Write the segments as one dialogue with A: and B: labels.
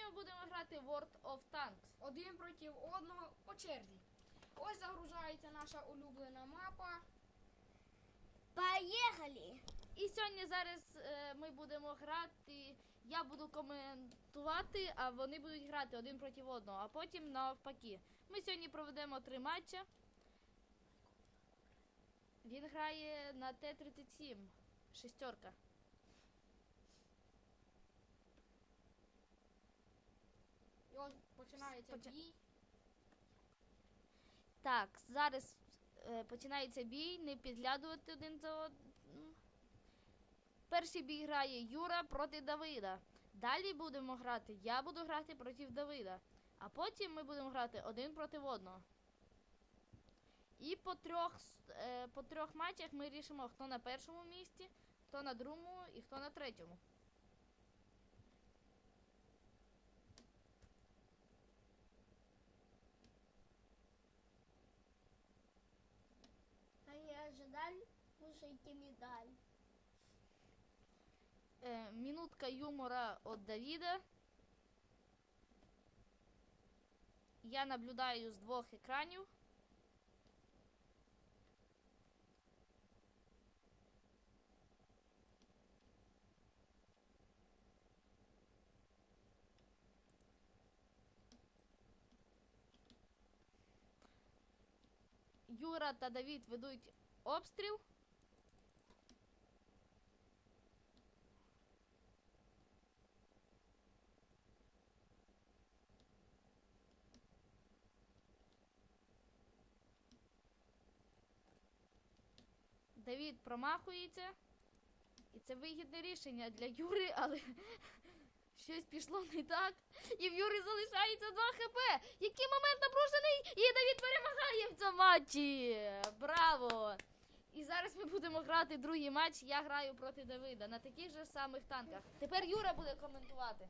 A: ми будемо грати World of Tanks.
B: Один проти одного по черзі. Ось загружається наша улюблена мапа.
C: Поїхали!
A: І сьогодні зараз ми будемо грати, я буду коментувати, а вони будуть грати один проти одного, а потім навпаки. Ми сьогодні проведемо 3 матчі. Він грає на Т-37, шестерка.
B: І ось починається бій.
A: Так, зараз починається бій, не підглядувати один за одним. Перший бій грає Юра проти Давида. Далі будемо грати, я буду грати проти Давида. А потім ми будемо грати один проти одного. І по трьох матчах ми рішимо, хто на першому місці, хто на другому і хто на третьому.
C: А не ожидали, кушайте медаль.
A: Минутка юмора от Давида. Я наблюдаю з 2 екранів. Юра та Давид ведуть обстріл. Давид промахується. І це вигідне рішення для Юри, але щось пішло не так. І в Юри залишається 2 хп. Який момент напружений, і Давид перемагає в цьому матчі. Браво! І зараз ми будемо грати другий матч. Я граю проти Давида на таких же самих танках. Тепер Юра буде коментувати.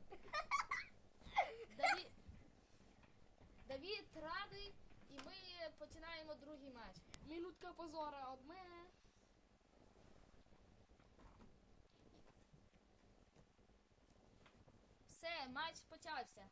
A: Давид радий, і ми починаємо другий матч.
B: Минутка позора від мене.
A: Все, матч почався.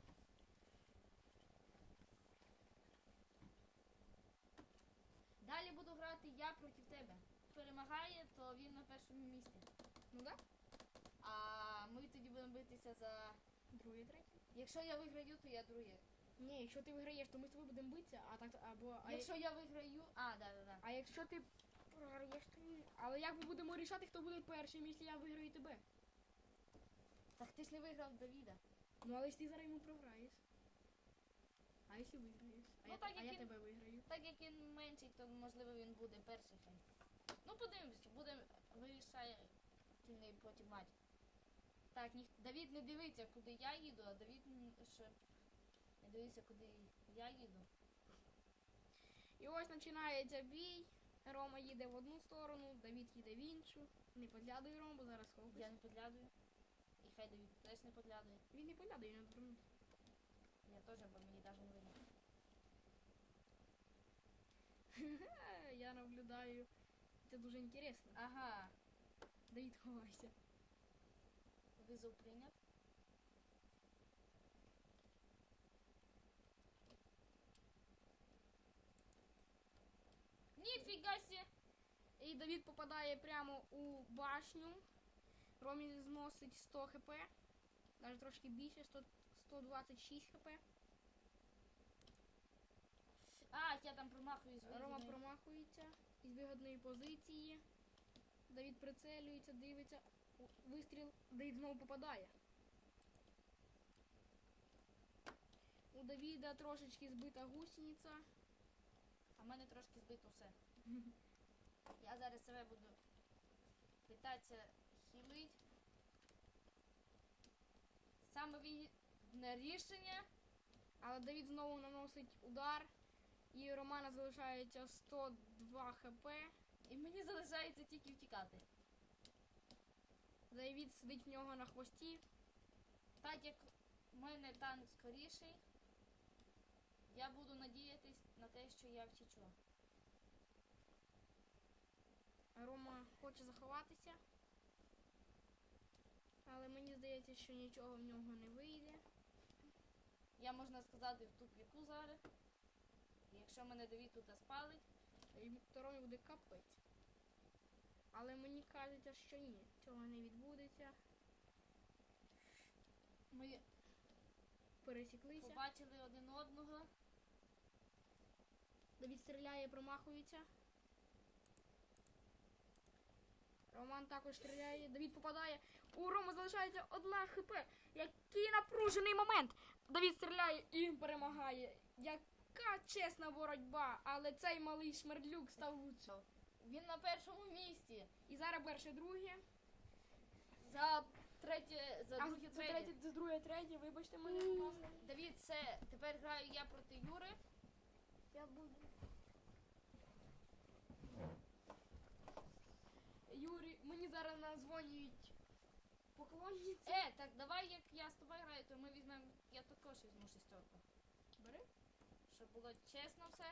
A: Далі буду грати я проти тебе. Перемагає, то він на першому місці.
B: Ну да?
A: А ми тоді будемо битися за...
B: Другий, третій.
A: Якщо я виграю, то я друге.
B: Ні, якщо ти виграєш, то ми з тобою будемо битися, а так або
A: Якщо я виграю... Да.
B: а якщо ти програєш, то ні. Але як ми будемо рішати, хто буде першим, якщо я виграю тебе?
A: Так ти ж не виграв Давіда.
B: Ну але ж ти зараз йому програєш. А якщо виграєш?
A: Ну, так,
B: А
A: як
B: я
A: він-
B: тебе виграю.
A: Так як він менший, то можливо він буде перший хай. Ну подивимось, буде вирішає потім матч. Так, Давід не дивиться, куди я їду, а Давід ще не дивиться, куди я їду.
B: І ось починається бій. Рома їде в одну сторону, Давід їде в іншу. Не підглядуй Рому, бо зараз ховаєш.
A: Я не підглядую. І хай Давід теж не підглядує.
B: Він не підглядує, не дурний.
A: Я теж, бо мені навіть не видно.
B: Я наблюдаю. Це дуже інтересно.
A: Ага,
B: Давід, ховайся.
A: визов прийнят. Ніфіга сі!
B: І Давід попадає прямо у башню. Ромі зносить 100 хп. Навіть трошки більше, 126 хп.
A: Я там промахуюсь.
B: Рома промахується із вигодної позиції. Давід прицелюється, дивиться. Вистріл, Давід знову попадає. У Давіда трошечки збита гусениця.
A: А в мене трошки збито все. Я зараз себе буду питатися хілить. Саме вигідне рішення.
B: Але Давід знову наносить удар. І у Романа залишається 102 хп.
A: І мені залишається тільки втікати.
B: Давід сидить в нього на хвості.
A: Так як в мене танк скоріший, я буду надіятись на те, що я втічу.
B: Рома хоче заховатися. Але мені здається, що нічого в нього не вийде.
A: Я, можна сказати, в тупіку зараз. Якщо мене Давід тут спалить,
B: І Ромі буде капець. Але мені кажеться, що ні. Цього не відбудеться.
A: ми
B: Пересіклися.
A: побачили один одного.
B: Давід стріляє, промахується. Роман також стріляє. Давід попадає. У Рома залишається 1 хп. Який напружений момент. Давід стріляє і перемагає. Яка чесна боротьба. Але цей малий шмердлюк став лучшим.
A: Він на першому місці.
B: І зараз перше, друге.
A: За третє, за
B: А
A: друге,
B: за
A: третє.
B: третє, за друге, третє. Вибачте мене, будь ласка.
A: Давід, все, тепер граю я проти Юри.
C: Я буду.
B: Юрій, мені зараз назвонюють поклонниці.
A: Так давай, як я з тобою граю, то ми візьмемо, я також візьму 6.
B: Бери.
A: Щоб було чесно все.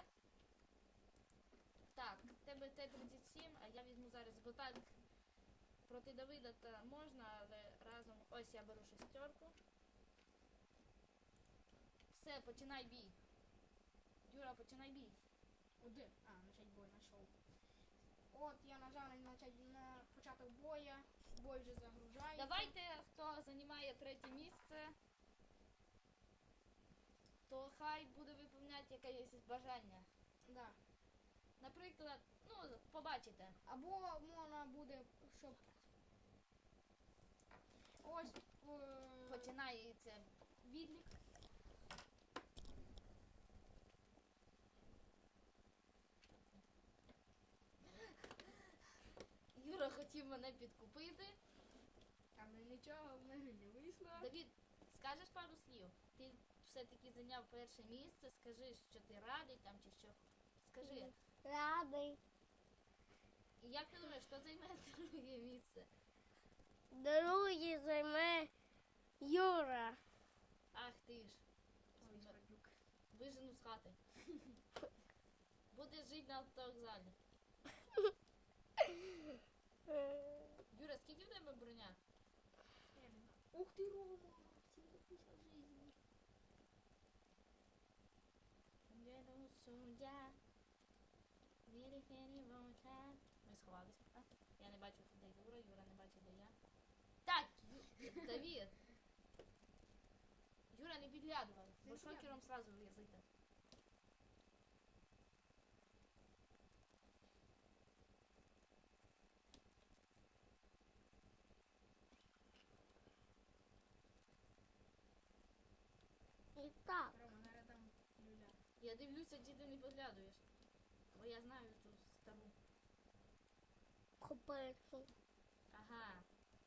A: Так, в тебе Т-37, а я візьму зараз, бо так проти Давида то можна, але разом, ось я беру 6. Все, починай бій. Юра, починай бій.
B: Один. Начать бой знайшов. От я нажав на початок боя. Бой вже загружається.
A: Давайте, хто займає 3 місце, то хай буде виповняти якесь бажання.
B: Да.
A: Наприклад, ну, побачите.
B: Або можна буде, щоб ось
A: Починається відлік. Юра хотів мене підкупити.
B: але нічого в мене не вийшло.
A: Давід, скажеш пару слів? Ти все-таки зайняв перше місце, скажи, що ти радий там чи що. Скажи.
C: Радий.
A: І як ти думаєш, хто займе друге місце?
C: Другий займе Юра.
A: Ах ти ж.
B: Ой, Смердлюк.
A: Вижену з хати. Будеш жити на автовокзалі. Юра, скільки в тебе броня?
B: Ух ти, Рома! 750 жизней.
A: Ми сховалися. Я не бачу, де Юра, Юра не бачить, де я. Так, Давід. Юра, не підглядувай, бо
B: Не
A: шокером сразу в'язите.
C: І так.
B: Рома, зараз там люля.
A: Я дивлюся, чи ти не підглядуєш. Бо я знаю цю стару.
C: Копицю.
A: Ага.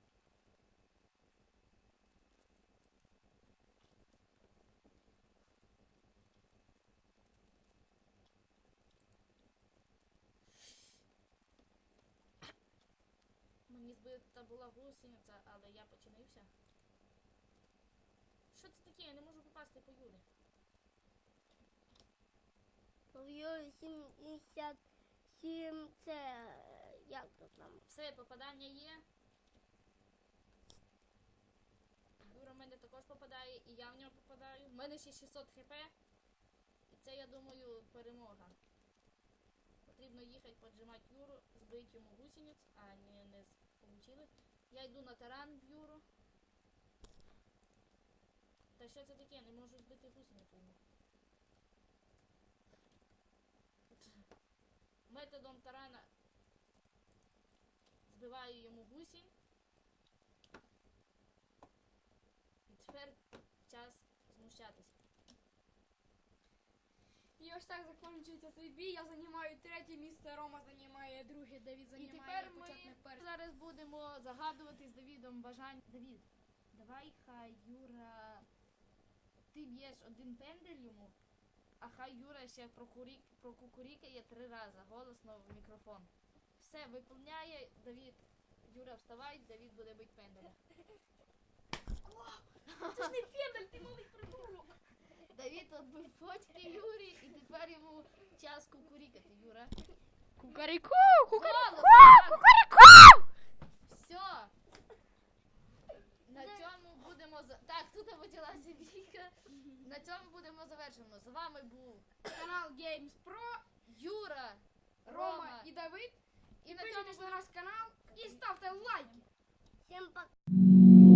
A: Мені збита була гусениця, але я починився. Що це таке? Я не можу попасти по Юрі.
C: В Юрі 77 це як то там?
A: Все, попадання є. Юра в мене також попадає, і я в нього попадаю. У мене ще 600 хп. І це, я думаю, перемога. Потрібно їхати поджимати Юру, збити йому гусениць, а не получили. Я йду на таран в Юру. Та що це таке? Не можу збити гусеницю йому. Методом тарана збиваю йому гусінь. І тепер час знущатися.
B: І ось так закінчується цей бій. Я займаю 3 місце, Рома займає 2, Давід
A: І
B: займає
A: тепер
B: почетне
A: ми
B: перше.
A: зараз будемо загадувати з Давідом бажання. Давід, давай хай Юра, ти б'єш 1 пендель йому, а хай Юра ще прокукурікає 3 рази голосно в мікрофон. Все, виповняє, Давід. Юра, вставай, Давід буде бити пенделя.
B: Це ж не пендель, ти малий придурок.
A: Давід отбив почки Юрі, і тепер йому час кукурікати, Юра.
B: Кукаріку!
A: Все. На цьому будемо так, тут почалася бійка. На цьому вами був
B: Канал Games Pro,
A: Юра,
B: Рома і Давид.
A: І на цьому
B: Підписуйтесь на наш канал і ставте лайки.
C: Всім пока.